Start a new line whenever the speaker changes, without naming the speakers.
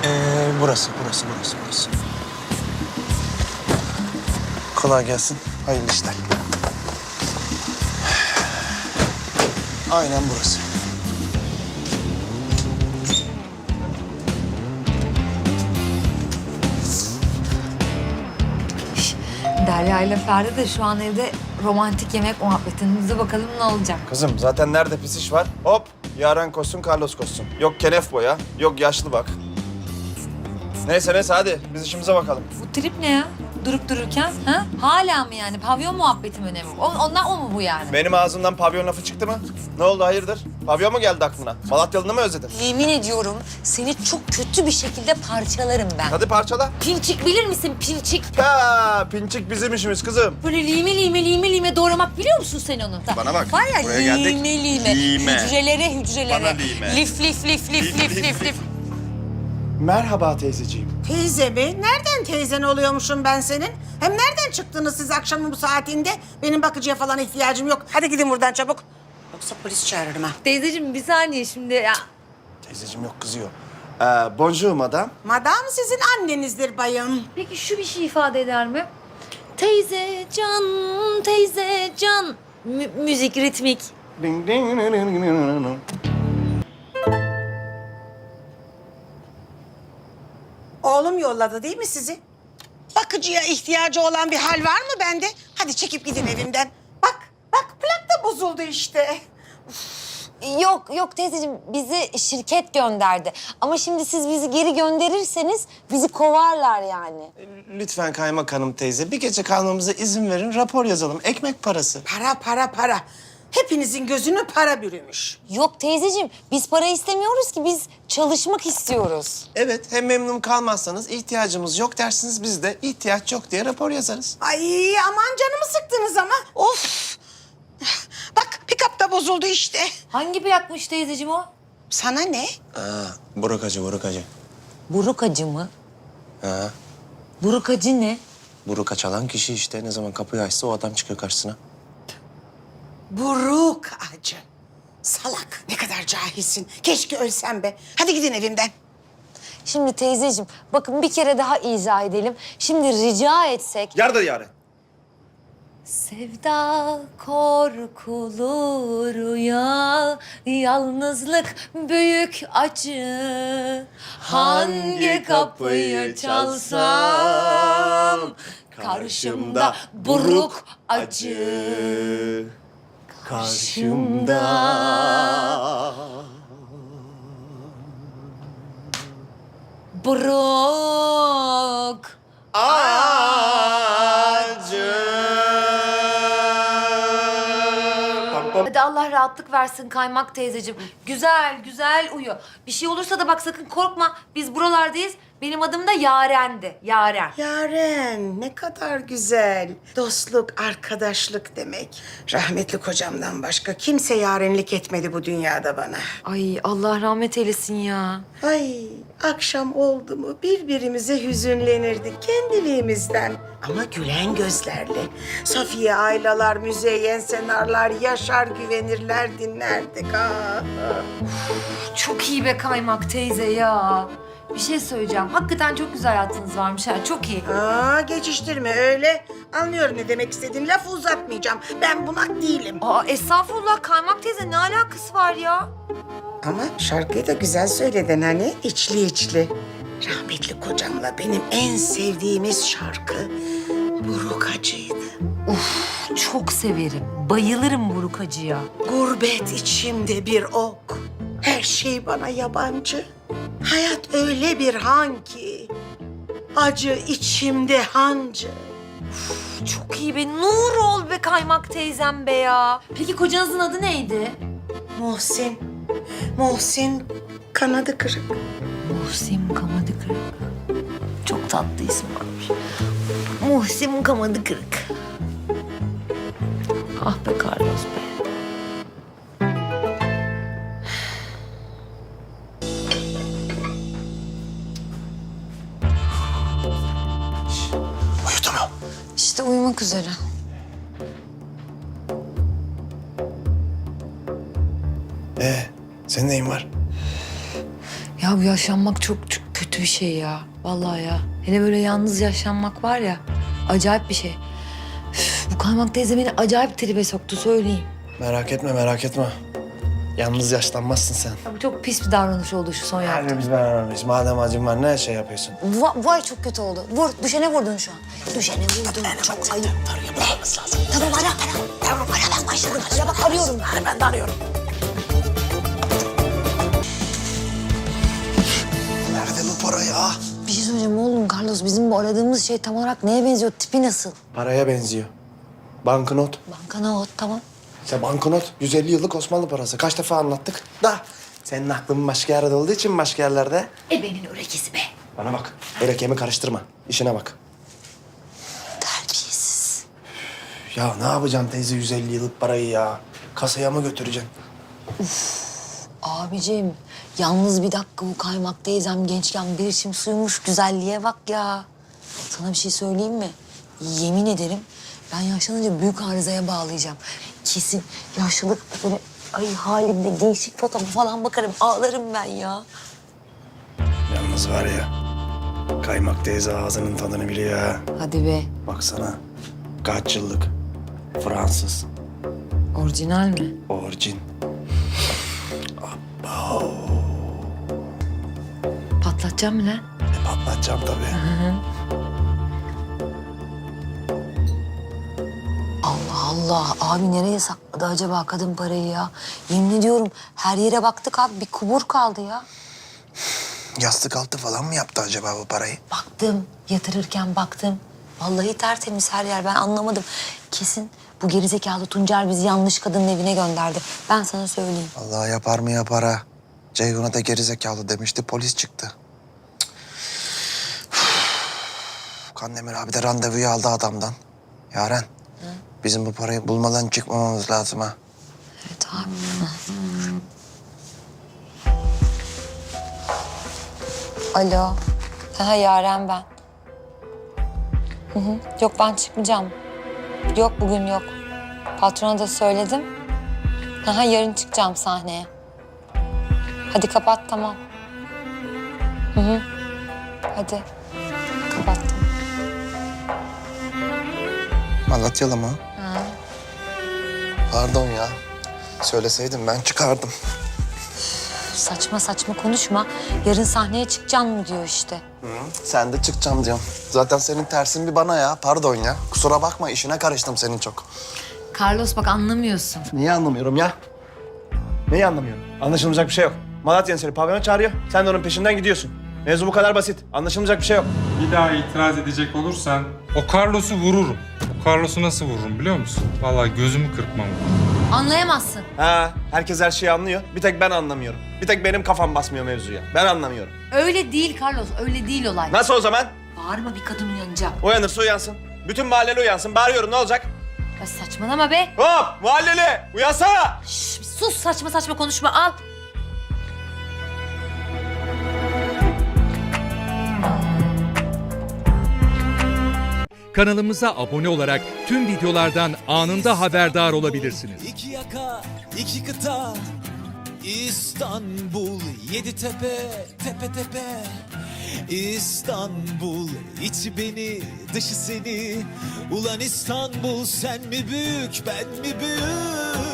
Burası. Kolay gelsin. Hayırlı işler. Aynen burası.
Derya ile Ferdi de şu an evde romantik yemek muhabbetinde bakalım ne olacak.
Kızım zaten nerede pis iş var? Hop Yaren koşsun, Carlos koşsun. Yok kenef boya, yok yaşlı bak. Neyse hadi biz işimize bakalım.
Bu trip ne ya? Durup dururken ha? Hala mı yani? Pavyon muhabbeti mi önemli? Ondan o mu bu yani?
Benim ağzımdan pavyon lafı çıktı mı? Ne oldu hayırdır? Pavyon mu geldi aklına? Malatyalı'nı mı özledin?
Yemin ediyorum seni çok kötü bir şekilde parçalarım ben.
Hadi parçala.
Pinçik bilir misin pinçik?
Ha, pinçik bizim işimiz kızım.
Böyle lime doğramak biliyor musun sen onu?
Bana bak,
Var ya
buraya geldik.
lime.
Lime.
Hücrelere.
Bana lime.
Lif.
Merhaba teyzeciğim.
Teyze mi? Nereden teyzen oluyormuşum ben senin? Hem nereden çıktınız siz akşamın bu saatinde? Benim bakıcıya falan ihtiyacım yok. Hadi gidin buradan çabuk. Yoksa polis çağırırım ha.
Teyzeciğim bir saniye şimdi ya.
Teyzeciğim yok kızıyor. Bonjour madame.
Madam sizin annenizdir bayım.
Peki şu bir şey ifade eder mi? Teyze can. Müzik, ritmik.
Ding, ding, ding, ding, ding, ding.
Oğlum yolladı değil mi sizi? Bakıcıya ihtiyacı olan bir hal var mı bende? Hadi çekip gidin evimden. Bak plak da bozuldu işte.
Yok teyzeciğim bizi şirket gönderdi. Ama şimdi siz bizi geri gönderirseniz bizi kovarlar yani.
Lütfen kaymakam teyze bir gece kalmamıza izin verin, rapor yazalım. Ekmek parası.
Para. Hepinizin gözünü para bürümüş.
Yok teyzeciğim biz para istemiyoruz ki biz çalışmak istiyoruz.
Evet, hem memnun kalmazsanız ihtiyacımız yok dersiniz. Biz de ihtiyaç yok diye rapor yazarız.
Ay aman canımı sıktınız ama. Of. Bak pick-up da bozuldu işte.
Hangi plakmış teyzeciğim o?
Sana ne?
Buruk acı.
Buruk acı mı?
Ha,
Buruk acı ne?
buruk çalan kişi işte. Ne zaman kapıyı açsa o adam çıkıyor karşısına.
Buruk acı. Salak. Ne kadar cahilsin. Keşke ölsem be. Hadi gidin evimden.
Şimdi teyzeciğim bakın bir kere daha izah edelim. Şimdi rica etsek...
Yardır Yaren.
Sevda korkulu rüya, yalnızlık büyük acı. Hangi kapıyı çalsam karşımda buruk acı.
Karşımda.
Buruk. Hadi Allah rahatlık versin Kaymak teyzeciğim. Güzel uyu. Bir şey olursa da bak sakın korkma. Biz buralardayız. Benim adım da Yaren'di. Yaren.
Yaren ne kadar güzel. Dostluk, arkadaşlık demek. Rahmetli kocamdan başka kimse yarenlik etmedi bu dünyada bana.
Ay Allah rahmet eylesin ya.
Ay akşam oldu mu birbirimize hüzünlenirdik kendiliğimizden. Ama gülen gözlerle. Safiye Aylalar, Müzeyyen Senarlar, Yaşar Güvenirler dinlerdik.
Çok iyi be Kaymak teyze ya. Bir şey söyleyeceğim. Hakikaten çok güzel hayatınız varmış ha. Çok iyi.
Geçiştirme öyle. Anlıyorum ne demek istediğin. Lafı uzatmayacağım. Ben bunak değilim.
Estağfurullah Kaymak teyze ne alakası var ya?
Ama şarkıyı da güzel söyledin hani. İçli içli. Rahmetli kocamla benim en sevdiğimiz şarkı Buruk Acı'ydı.
Çok severim. Bayılırım buruk acıya.
Gurbet içimde bir ok. Her şey bana yabancı. Hayat öyle bir han ki. Acı içimde hancı.
Çok iyi be. Nur ol be Kaymak teyzem be ya. Peki kocanızın adı neydi?
Muhsin. Muhsin kanadı kırık.
Muhsin Kamadı Kırık. Çok tatlı isim varmış. Muhsin Kamadı Kırık. Ah be Carlos be.
Uyudu mu?
İşte uyumak üzere.
Senin neyin var?
Ya bu yaşlanmak çok kötü bir şey ya. Vallahi ya. Hele böyle yalnız yaşanmak var ya. Acayip bir şey. Üf, bu Kaymak teyze beni acayip tribe soktu söyleyeyim.
Merak etme, merak etme. Yalnız yaşlanmazsın sen.
Ya bu çok pis bir davranış oldu şu son yaptığın.
Hepimiz beraberimiz. Madem acın var ne şey yapıyorsun?
Vay çok kötü oldu. Vur, düşene vurdun şu an. Düşene vurdun, çok ayıp. Tamam ara. Tamam ara, ben başladım. Ara bak, arıyorum.
Ben de arıyorum.
Nerede bu para ya?
Bir şey söyleyeceğim oğlum Carlos. Bizim bu aradığımız şey tam olarak neye benziyor? Tipi nasıl?
Paraya benziyor. Banknot.
Banknot tamam.
İşte banknot 150 yıllık Osmanlı parası. Kaç defa anlattık da. Senin aklın başka yerde olduğu için başka yerlerde.
Ebenin örekisi be.
Bana bak. Öyle karıştırma. İşine bak.
Terbiyesiz.
Ya ne yapacaksın teyze 150 yıllık parayı ya? Kasaya mı götüreceksin?
Abicim yalnız bir dakika bu Kaymak teyzem gençken bir içim suymuş. Güzelliğe bak ya. Sana bir şey söyleyeyim mi? Yemin ederim ben yaşlanınca büyük arızaya bağlayacağım. Kesin yaşlılık böyle ay halimde gençlik fotoğrafı falan bakarım. Ağlarım ben ya.
Yalnız var ya. Kaymak teyze ağzının tadını biliyor ha.
Hadi be.
Baksana. Kaç yıllık. Fransız.
Orijinal mi?
Orijin.
Patlatacağım mı lan?
Patlatacağım tabii.
Allah Allah. Abi nereye sakladı acaba kadın parayı ya? Yemin ediyorum her yere baktık abi. Bir kubur kaldı ya.
Yastık altı falan mı yaptı acaba bu parayı?
Baktım, yatırırken baktım. Vallahi tertemiz her yer. Ben anlamadım. Kesin bu gerizekalı Tuncer bizi yanlış kadının evine gönderdi. Ben sana söyleyeyim.
Allah yapar mı yapar ha. Ceyhun'a da gerizekalı demişti, polis çıktı. Kandemir abi de randevuyu aldı adamdan. Yaren, bizim bu parayı bulmadan çıkmamamız lazım ha.
Evet abi. Alo. Ha Yaren ben. Yok ben çıkmayacağım. Yok bugün yok. Patrona da söyledim. Ha yarın çıkacağım sahneye. Hadi kapat tamam. Hadi. Kapattım.
Malatyalı mı? Pardon ya. Söyleseydim ben çıkardım.
Saçma saçma konuşma. Yarın sahneye çıkacaksın mı diyor işte.
Sen de çıkacağım diyorum. Zaten senin tersin bir bana ya. Pardon ya. Kusura bakma, işine karıştım senin çok.
Carlos bak anlamıyorsun.
Niye anlamıyorum ya? Neyi anlamıyorum? Anlaşılmayacak bir şey yok. Malatya'nın seni pavyona çağırıyor. Sen de onun peşinden gidiyorsun. Mevzu bu kadar basit. Anlaşılmayacak bir şey yok.
Bir daha itiraz edecek olursan o Carlos'u vururum. O Carlos'u nasıl vururum biliyor musun? Vallahi gözümü kırpmam.
Anlayamazsın.
Ha, herkes her şeyi anlıyor. Bir tek ben anlamıyorum. Bir tek benim kafam basmıyor mevzuya. Ben anlamıyorum.
Öyle değil Carlos, öyle değil olay.
Nasıl o zaman?
Bağırma bir kadın uyanacak.
Uyanırsa uyansın. Bütün mahalleli uyansın. Bağırıyorum ne olacak?
Ya saçmalama be.
Hop mahalleli uyansana.
Şş, bir sus saçma saçma konuşma al.
Kanalımıza abone olarak tüm videolardan anında haberdar olabilirsiniz.
İki yaka, iki kıta, İstanbul, yedi tepe, tepe tepe. İstanbul, içi beni, dışı seni. Ulan İstanbul, sen mi büyük, ben mi büyük?